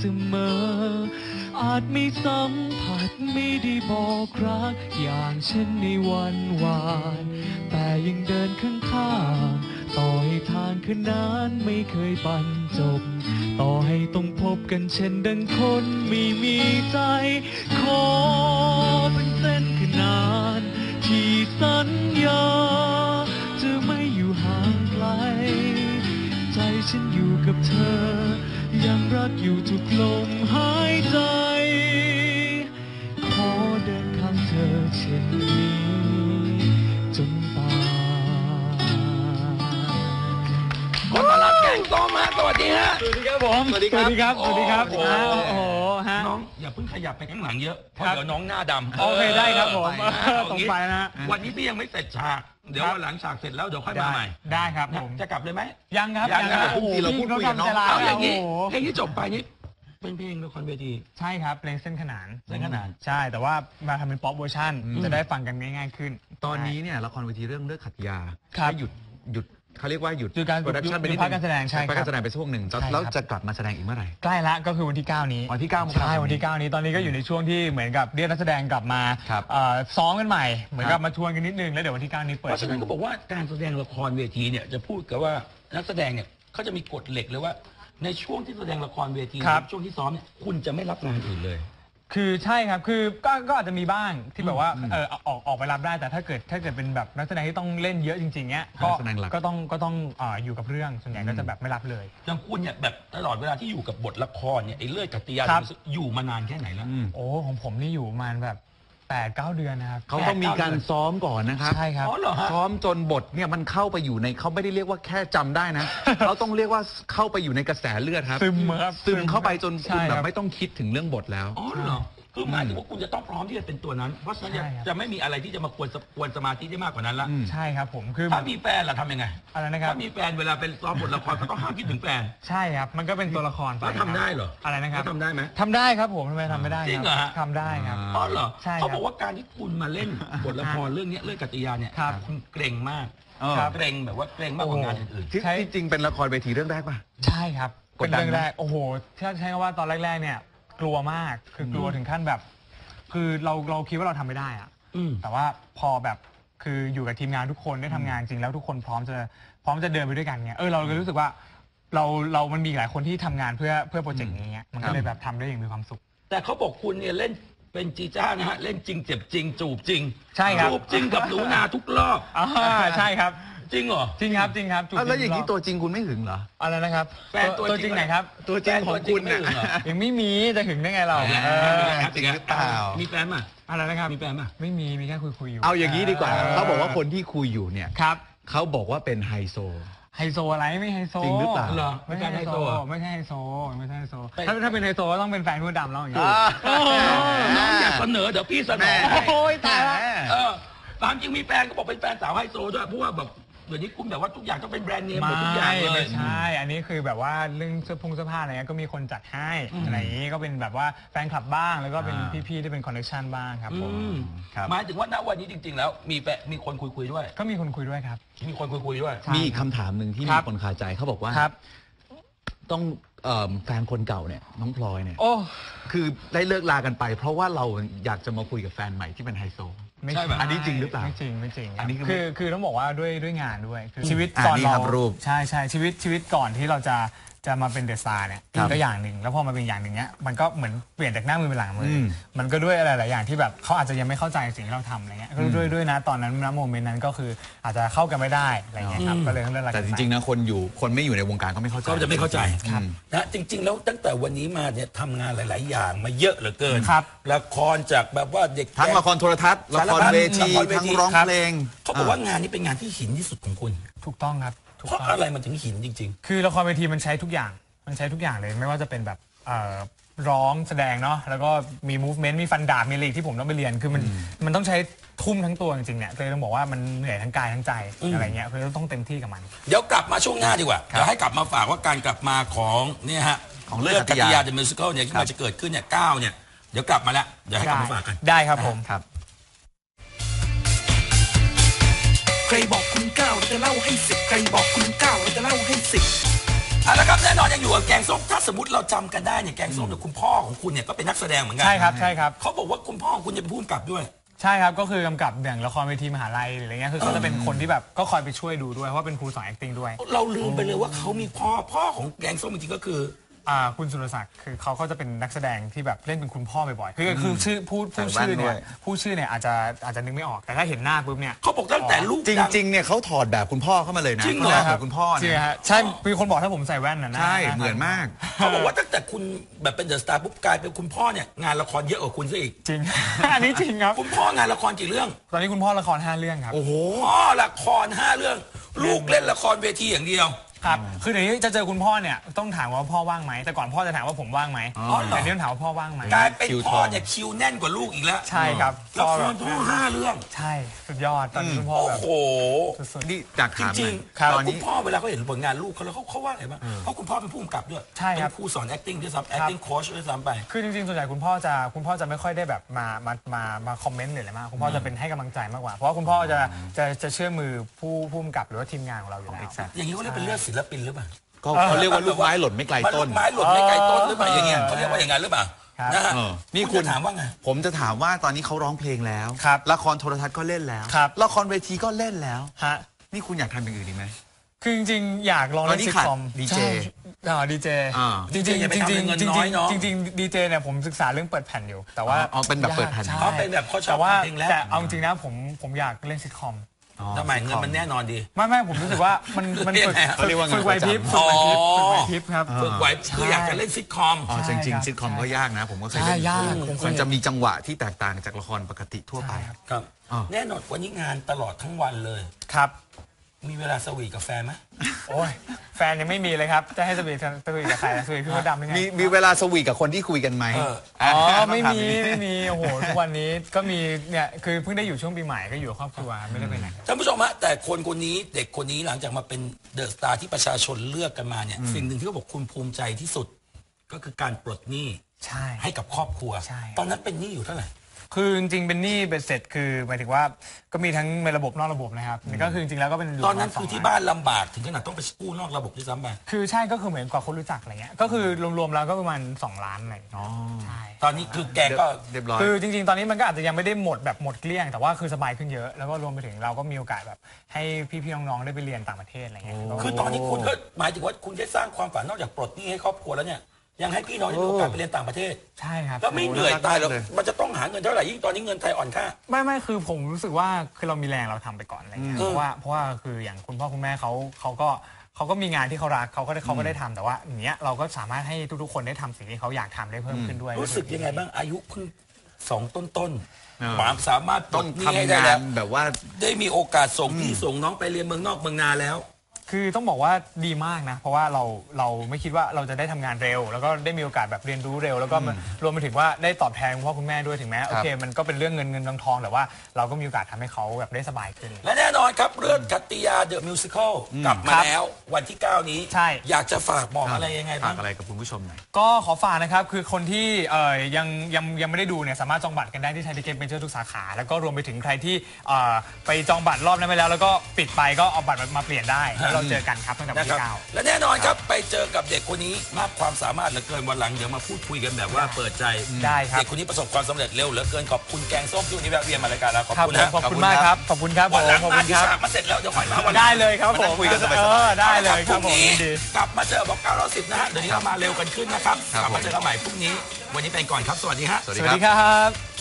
มออาจไม่สัมผัสไม่ได้บอกรักอย่างเช่นในวันวานแต่ยังเดินข้างๆต่อให้ทางคืนนั้นไม่เคยบรรจบต่อให้ต้องพบกันเช่นดังคนไม่มีใจขอเป็นเส้นขนานที่สัญญาจะไม่อยู่ห่างไกลใจฉันอยู่กับเธอยังรักอยู่ทุกลมหายใจขอเดินข้างเธอเช่นนี้จนตายขอต้อนรับแกงส้มฮะสวัสดีฮะสวัสดีครับผมสวัสดีครับสวัสดีครับสวัสดีครับโอ้โหฮะน้องอย่าเพิ่งขยับไปข้างหลังเยอะเพราะเดี๋ยวน้องหน้าดำโอเคได้ครับผมตรงไปนะวันนี้พี่ยังไม่เสร็จฉากเดี๋ยววันหลังฉากเสร็จแล้วเดี๋ยวค่อยมาใหม่ได้ครับผมจะกลับเลยไหมยังครับโอ้โหเราพูดคุยกันน้องเอาอย่างนี้เพลงที่จบไปนี้เป็นเพลงละครเวทีใช่ครับเพลงเส้นขนานใช่ แต่ว่ามาทำเป็นป๊อปเวอร์ชันจะได้ฟังกันง่ายๆขึ้นตอนนี้เนี่ยละครเวทีเรื่องเลิกขัดยาหยุดเขาเรียกว่าหยุดการโปรดักชั่นไปนิดนึงพักการแสดงใช่พักการแสดงไปช่วงหนึ่งแล้วจะกลับมาแสดงอีกเมื่อไหร่ใกล้ละก็คือวันที่9นี้วันที่9 ใช่วันที่9นี้ตอนนี้ก็อยู่ในช่วงที่เหมือนกับเรียกนักแสดงกลับมาซ้อมกันใหม่เหมือนกับมาชวนกันนิดนึงแล้วเดี๋ยววันที่9นี้เปิดเพราะฉะนั้นก็บอกว่าการแสดงละครเวทีเนี่ยจะพูดกับว่านักแสดงเนี่ยเขาจะมีกฎเหล็กเลยว่าในช่วงที่แสดงละครเวทีช่วงที่ซ้อมเนี่ยคุณจะไม่รับงานอื่นเลยคือใช่ครับคือก็อาจจะมีบ้างที่แบบว่าออกไปรับได้แต่ถ้าเกิดเป็นแบบนักแสดงที่ต้องเล่นเยอะจริงๆเนี้ยก็ต้องอยู่กับเรื่องส่วนใหญ่ก็จะแบบไม่รับเลยอย่างคุณเนี่ยแบบตลอดเวลาที่อยู่กับบทละครเนี่ยไอ้เลือดกัตติยาอยู่มานานแค่ไหนแล้วโอ้ของผมนี่อยู่มาแบบ8-9 เดือนนะครับเขาต้องมีการซ้อมก่อนนะครับใช่ครับซ้อมจนบทเนี่ยมันเข้าไปอยู่ในเขาไม่ได้เรียกว่าแค่จำได้นะเขาต้องเรียกว่าเข้าไปอยู่ในกระแสเลือดครับซึมเข้าไปจนคุณแบบไม่ต้องคิดถึงเรื่องบทแล้วอ๋อเหรอคือหมายถึงว่าคุณจะต้องพร้อมที่จะเป็นตัวนั้นเพราะฉะนั้นจะไม่มีอะไรที่จะมากวนสมาธิได้มากกว่านั้นละใช่ครับผมคือถ้ามีแฟนล่ะทำยังไงอะไรนะครับถ้ามีแฟนเวลาเป็นซ้อมบทละครก็ต้องห้ามคิดถึงแฟนใช่ครับมันก็เป็นตัวละครแล้วทำได้เหรออะไรนะครับทำได้ไหมทำได้ครับผมทำไมทำไม่ได้จริงเหรอทำได้ครับอ๋อเหรอเขาบอกว่าการที่คุณมาเล่นบทละครเรื่องนี้เรื่องกัตติยาเนี่ยคุณเกรงมากเกรงแบบว่าเกรงมากกว่างานอื่นๆที่จริงเป็นละครเวทีเรื่องแรกป่ะใช่ครับเป็นเรื่องแรกโอ้โหถ้าใช้คำว่าตอนแรกๆเนี่ยกลัวมากคือกลัวถึงขั้นแบบคือเราคิดว่าเราทำไม่ได้อะแต่ว่าพอแบบคืออยู่กับทีมงานทุกคนได้ทำงานจริงแล้วทุกคนพร้อมจะเดินไปด้วยกันเนี่ยเราเลยรู้สึกว่าเรามันมีหลายคนที่ทำงานเพื่อโปรเจกต์นี้มันก็เลยแบบทำได้อย่างมีความสุขแต่เขาบอกคุณเนี่ยเล่นเป็นจีจ้านะฮะเล่นจริงเจ็บจริงจูบจริงใช่ครับจูบจริงกับหนูนาทุกรอบใช่ครับจริงเหรอจริงครับแล้วอย่างนี้ตัวจริงคุณไม่หึงเหรออะไรนะครับแฟนตัวจริงไหนครับตัวจริงของคุณเนี่ยยังไม่มีจะหึงได้ไงเราจริงหรือเปล่ามีแฟนป่ะอะไรนะครับมีแฟนป่ะไม่มีแค่คุยอยู่เอาอย่างนี้ดีกว่าเขาบอกว่าคนที่คุยอยู่เนี่ยครับเขาบอกว่าเป็นไฮโซอะไรไม่ไฮโซจริงหรือเปล่าไม่ใช่ไฮโซไม่ใช่ไฮโซถ้าเป็นไฮโซก็ต้องเป็นแฟนผู้ดำแล้วอย่างนี้น้องอยากเสนอเดี๋ยวพี่เสนอโอ้ยตายตามจริงมีแฟนก็บอกเป็นแฟนสาวไฮโซด้วยเพราะว่าแบบเดี๋ยวนี้คุณแบบว่าทุกอย่างต้องเป็นแบรนด์เนมหมดทุกอย่างเลยใช่อันนี้คือแบบว่าเรื่องเสื้อผ้าอะไรเงี้ยก็มีคนจัดให้อะไรอย่างนี้ก็เป็นแบบว่าแฟนคลับบ้างแล้วก็เป็นพี่ๆที่เป็นคอนเนคชั่นบ้างครับผมหมายถึงว่าณวันนี้จริงๆแล้วมีคนคุยด้วยก็มีคนคุยด้วยครับมีคนคุยด้วยมีคำถามหนึ่งที่มีคนคาใจเขาบอกว่าต้องแฟนคนเก่าเนี่ยน้องพลอยเนี่ยคือได้เลิกลากันไปเพราะว่าเราอยากจะมาคุยกับแฟนใหม่ที่เป็นไฮโซไม่ใช่อันนี้จริงหรือเปล่าไม่จริงอันนี้คือต้องบอกว่าด้วยงานด้วยคือชีวิตก่อนเราใช่ชีวิตก่อนที่เราจะมาเป็นเดอะสตาร์เนี่ยก็อย่างหนึ่งแล้วพอมาเป็นอย่างหนึ่งเนี้ยมันก็เหมือนเปลี่ยนจากหน้ามือเป็นหลังมือมันก็ด้วยอะไรหลายอย่างที่แบบเขาอาจจะยังไม่เข้าใจสิ่งที่เราทำอะไรเงี้ยก็ด้วยนะตอนนั้นณโมเมนต์นั้นก็คืออาจจะเข้ากันไม่ได้อะไรเงี้ยครับก็เลยเลิกกันแต่จริงๆนะคนไม่อยู่ในวงการก็ไม่เข้าใจก็จะไม่เข้าใจนะจริงๆแล้วตั้งแต่วันนี้มาเนี่ยทำงานหลายๆอย่างมาเยอะเหลือเกินละครจากแบบว่าเด็กทั้งละครโทรทัศน์ละครเวทีทั้งร้องเพลงเขาบอกว่างานนี้เป็นงานที่หินที่สุดของคุณถูกต้องครับเพราะอะไรมันถึงหินจริงๆคือละครเวทีมันใช้ทุกอย่างเลยไม่ว่าจะเป็นแบบร้องแสดงเนาะแล้วก็มี movement มีฟันดาบมีอะไรที่ผมต้องไปเรียนคือมันต้องใช้ทุ่มทั้งตัวจริงๆเนี่ยเลยต้องบอกว่ามันเหนื่อยทั้งกายทั้งใจอะไรเงี้ยคือต้องเต็มที่กับมันเดี๋ยวกลับมาช่วงหน้าดีกว่าเดี๋ยวให้กลับมาฝากว่าการกลับมาของเนี่ยฮะของเรื่องกัตติยา The Musical เนี่ยที่มันจะเกิดขึ้นเนี่ย9เนี่ยเดี๋ยวกลับมาแล้วเดี๋ยวให้กลับมาฝากกันได้ครับผมครับใครบอกคุณ9เราจะเล่าให้10ใครบอกคุณ9เราจะเล่าให้10 แล้วครับแน่นอนยังอยู่กับแกงส้มถ้าสมมติเราจำกันได้เนี่ยแกงส้มเนี่ยคุณพ่อของคุณเนี่ยก็เป็นนักแสดงเหมือนกัใช่ครับใช่ครับเขาบอกว่าคุณพ่อของคุณจะเป็นผู้กำกับด้วยใช่ครับก็คือกำกับอย่างละครเวทีมหาลัยหรืออะไรเงี้ยคือเขาจะเป็นคนที่แบบก็คอยไปช่วยดูด้วยเพราะว่าเป็นครูสอน acting ด้วยเราลืมไปเลยว่าเขามีพ่อของแกงส้มจริงๆก็คือคุณสุรศักดิ์คือเขาก็จะเป็นนักแสดงที่แบบเล่นเป็นคุณพ่อบ่อยๆคือชื่อพูดชื่อเนี่ยอาจจะนึกไม่ออกแต่ถ้าเห็นหน้าปุ๊บเนี่ยเขาบอกตั้งแต่ลูกจริงๆเนี่ยเขาถอดแบบคุณพ่อเข้ามาเลยนะจริงเหรอแบบคุณพ่อเนี่ยใช่มีคนบอกถ้าผมใส่แว่นนะใช่เหมือนมากเขาบอกว่าตั้งแต่คุณแบบเป็นเดอะสตาร์ปุ๊บกลายเป็นคุณพ่อเนี่ยงานละครเยอะกว่าคุณซะอีกจริงอันนี้จริงครับคุณพ่องานละครกี่เรื่องตอนนี้คุณพ่อละคร5 เรื่องครับโอ้โหพ่อละคร5 เรื่องลูกเล่นละครเวทีอย่างเดียวครับคือเดี๋ยวนี้จะเจอคุณพ่อเนี่ยต้องถามว่าพ่อว่างไหมแต่ก่อนพ่อจะถามว่าผมว่างไหมแต่เดี๋ยวถามว่าพ่อว่างไหมกลายเป็นพ่อเนี่ยคิวแน่นกว่าลูกอีกแล้วใช่ครับละครพ่อ5 เรื่องใช่สุดยอดตอนนี้คุณพ่อแบบโอ้โหนี่จากจริงๆตอนคุณพ่อเวลาเขาเห็นผลงานลูกเขาแล้วเขาว่าอะไรบ้างเพราะคุณพ่อเป็นผู้กำกับด้วยเป็นครูสอน acting ด้วยซ้ำ acting coach ด้วยซ้ำไปคือจริงๆส่วนใหญ่คุณพ่อจะไม่ค่อยได้แบบมาคอมเมนต์หรืออะไรมากคุณพ่อจะเป็นให้กำลังใจมากกว่าเพราะว่าคุณพ่อจะเชื่อมือผู้กำกับหรือว่าทีมงานของเราอยู่แล้วอย่างนี้เขาเรียกเป็นเลือดศิลปินหรือเปล่าเขาเรียกว่าลูกไม้หล่นไม่ไกลต้นลูกไม้หล่นไม่ไกลต้นหรือเปล่าอย่างเงี้ยเขาเรียกว่าอย่างนั้นหรือเปล่านะฮะนี่คุณถามว่าไงผมจะถามว่าตอนนี้เขาร้องเพลงแล้วละครโทรทัศน์ก็เล่นแล้วละครเวทีก็เล่นแล้วนี่คุณอยากทำอย่างอื่นอีกไหมคือจริงๆอยากลองเล่นซิทคอมดีเจดีเจจริงๆดีเจเนี่ยผมศึกษาเรื่องเปิดแผ่นอยู่แต่ว่าเป็นแบบเปิดแผ่นเป็นแบบเขาชอบเพลงแล้วแต่เอาจริงนะผมอยากเล่นซิทคอมทำไมเงินมันแน่นอนดีไม่ผมรู้สึกว่ามันฝึกไหวพริบครับฝึกไหวคืออยากจะเล่นซิทคอมจริงซิทคอมก็ยากนะผมก็เคยเล่นมันจะมีจังหวะที่แตกต่างจากละครปกติทั่วไปครับแน่นอนวันนี้งานตลอดทั้งวันเลยครับมีเวลาสวีทกับแฟนไหมโอ้ยแฟนยังไม่มีเลยครับจะให้สวีทกับใครสวีทพี่มดดำยังไงมีเวลาสวีทกับคนที่คุยกันไหมไม่มีโอ้โหทุกวันนี้ก็มีเนี่ยคือเพิ่งได้อยู่ช่วงปีใหม่ก็อยู่ครอบครัวไม่ได้ไปไหนท่านผู้ชมฮะแต่คนนี้เด็กคนนี้หลังจากมาเป็นเดอะสตาร์ที่ประชาชนเลือกกันมาเนี่ยสิ่งหนึ่งที่เขาบอกคุณภูมิใจที่สุดก็คือการปลดหนี้ให้กับครอบครัวตอนนั้นเป็นหนี้อยู่เท่าไหร่คือจริงๆเป็นหนี้เป็นเสร็จคือหมายถึงว่าก็มีทั้งในระบบนอกระบบนะครับนี่ก็คือจริงๆแล้วก็เป็นตอนนั้นคือที่บ้านลำบากถึงขนาดต้องไปกู้นอกระบบด้วยซ้ำไปคือใช่ก็คือเหมือนกว่าคนรู้จักอะไรเงี้ยก็คือรวมๆแล้วก็ประมาณ2 ล้านอะไรใช่ตอนนี้คือแกก็เรียบร้อยคือจริงๆตอนนี้มันก็อาจจะยังไม่ได้หมดแบบหมดเกลี้ยงแต่ว่าคือสบายขึ้นเยอะแล้วก็รวมไปถึงเราก็มีโอกาสแบบให้พี่ๆน้องๆได้ไปเรียนต่างประเทศอะไรเงี้ยคือตอนนี้คุณก็หมายถึงว่าคุณได้สร้างความฝันนอกจากปลดหนี้ให้ครอบครัวแล้วเนี่ยยังให้พี่น้องได้มีโอกาสไปเรียนต่างประเทศใช่ครับแล้วไม่เหนื่อยตายแล้วมันจะต้องหาเงินเท่าไหร่ยิ่งตอนนี้เงินไทยอ่อนค่าไม่คือผมรู้สึกว่าคือเรามีแรงเราทำไปก่อนอะไรเงี้ยเพราะว่าคืออย่างคุณพ่อคุณแม่เขาก็มีงานที่เขารักเขาก็ได้ทำแต่ว่าอย่างเงี้ยเราก็สามารถให้ทุกๆคนได้ทำสิ่งที่เขาอยากทำได้เพิ่มขึ้นด้วยรู้สึกยังไงบ้างอายุเพิ่ง2 ต้นความสามารถต้องทำงานแบบว่าได้มีโอกาสส่งพี่ส่งน้องไปเรียนเมืองนอกเมืองนาแล้วคือต้องบอกว่าดีมากนะเพราะว่าเราไม่คิดว่าเราจะได้ทำงานเร็วแล้วก็ได้มีโอกาสแบบเรียนรู้เร็วแล้วก็รวมไปถึงว่าได้ตอบแทนคุณพ่อคุณแม่ด้วยถึงแม้โอเคมันก็เป็นเรื่องเงินทองแต่ว่าเราก็มีโอกาสทำให้เขาแบบได้สบายขึ้นและแน่นอนครับเรื่องกัตติยาเดอะมิวสิคลกลับมาแล้ววันที่9นี้ใช่อยากจะฝากบอกอะไรยังไงบ้างฝากอะไรกับคุณผู้ชมหน่อยก็ขอฝากนะครับคือคนที่ยังไม่ได้ดูเนี่ยสามารถจองบัตรกันได้ที่ไทยทิเก็ตเมเจอร์ทุกสาขาแล้วก็รวมไปถึงใครที่ไปจองบัตรรอบนั้นไปแล้วแล้วก็ปิดไปก็เอาบัตรมาเปลี่ยนได้แล้วเราเจอกันครับตั้งแต่วันที่9 และแน่นอนครับไปเจอกับเด็กคนนี้มากความสามารถเหลือเกินวันหลังเดี๋ยวมาพูดคุยกันแบบว่าเปิดใจได้ครับเด็กคนนี้ประสบความสำเร็จเร็วเหลือเกินขอบคุณแกงส้มที่วันนี้แวะเวียนมารายการเราขอบคุณนะขอบคุณมากครับขอบคุณครับวันหลังมาที่ฉากมาเสร็จแล้วเดี๋ยวค่อยมาวันได้เลยครับผมคุยกันสบายๆได้เลยครับผมกลับมาเจอบอก910นะฮะเดี๋ยวนี้เรามาเร็วกันขึ้นนะครับกลับมาเจอกันใหม่พรุ่งนี้วันนี้ไปก่อนครับสวัสดีฮะสวัสดีครับ